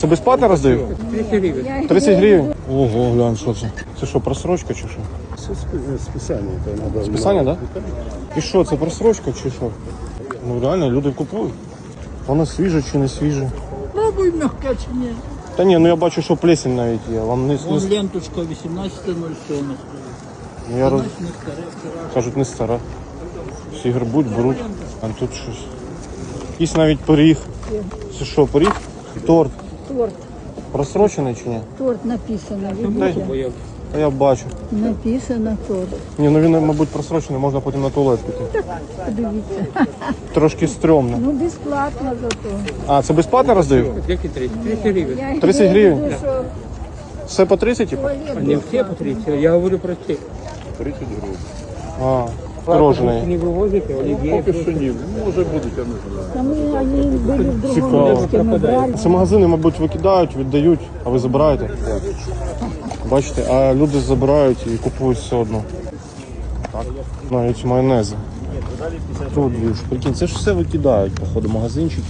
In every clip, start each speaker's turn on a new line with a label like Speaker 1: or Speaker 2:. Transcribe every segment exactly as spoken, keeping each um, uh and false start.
Speaker 1: Це безплатно роздають?
Speaker 2: тридцать гривен.
Speaker 1: тридцять гривень? Ого, глянь, що це? Це що, просрочка чи що?
Speaker 3: Це списання. Це надо.
Speaker 1: Списання, так? Да? І що, це просрочка чи що? Ну реально, люди купують. Воно свіже чи не свіже?
Speaker 2: Пробуй мягко чи ні.
Speaker 1: Та ні, ну я бачу, що плесень навіть є. Вам не,
Speaker 2: Вон
Speaker 1: не...
Speaker 2: ленточка вісімнадцяте нуль сьоме.
Speaker 1: Ну, я роз...
Speaker 2: Не старе вчора.
Speaker 1: Кажуть, не стара. Всі грибуть, беруть, а тут щось. Є навіть пиріг. Це що, пиріг? Торт.
Speaker 4: Торт.
Speaker 1: Просрочений чи ні?
Speaker 4: Торт написано,
Speaker 1: Та,
Speaker 4: видите?
Speaker 1: та я бачу.
Speaker 4: Написано торт.
Speaker 1: Ні, ну він, мабуть, просрочений, можна потім на туалет піти.
Speaker 4: Подивіться.
Speaker 1: Трошки стрьомно.
Speaker 4: Ну, безплатно зато.
Speaker 1: А, це безплатно роздають?
Speaker 2: Які тридцать? тридцать гривен.
Speaker 4: Я
Speaker 1: тридцять
Speaker 4: имею в
Speaker 1: гривень?
Speaker 4: виду, що
Speaker 1: Все по тридцять, типу?
Speaker 4: туалет
Speaker 2: Не все по тридцать, я говорю про те.
Speaker 3: тридцять гривень.
Speaker 1: А, пирожений.
Speaker 2: Не вывозите, оливье.
Speaker 3: Поки що ні. Може будуть, я не знаю.
Speaker 4: Там они были в другом
Speaker 1: Цікаво.
Speaker 4: месте, мы брали.
Speaker 1: Це магазини, мабуть, викидають, віддають, а ви забираєте. Бачите, а люди забирають і купують все одно. Так. Навіть майонези. Тут дві ж. Прикинь, це ж все викидають, походу, магазинчики.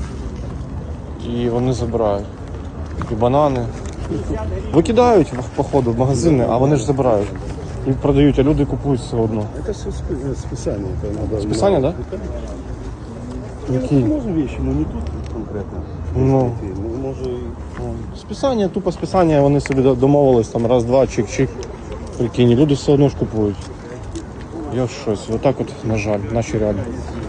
Speaker 1: І вони забирають. І банани. Викидають, походу, в магазини, а вони ж забирають. І продають, а люди купують все одно.
Speaker 3: Це все спи- списання. Це надо.
Speaker 1: Списання, да? Які?
Speaker 3: Може вещи, але не тут конкретно.
Speaker 1: Ну.
Speaker 3: Ну, може і...
Speaker 1: Списання, тупо списання, вони собі домовились, там раз-два, чик-чик. Прикинь, люди все одно ж купують. Я в щось. Отак от, на жаль, наші реалії.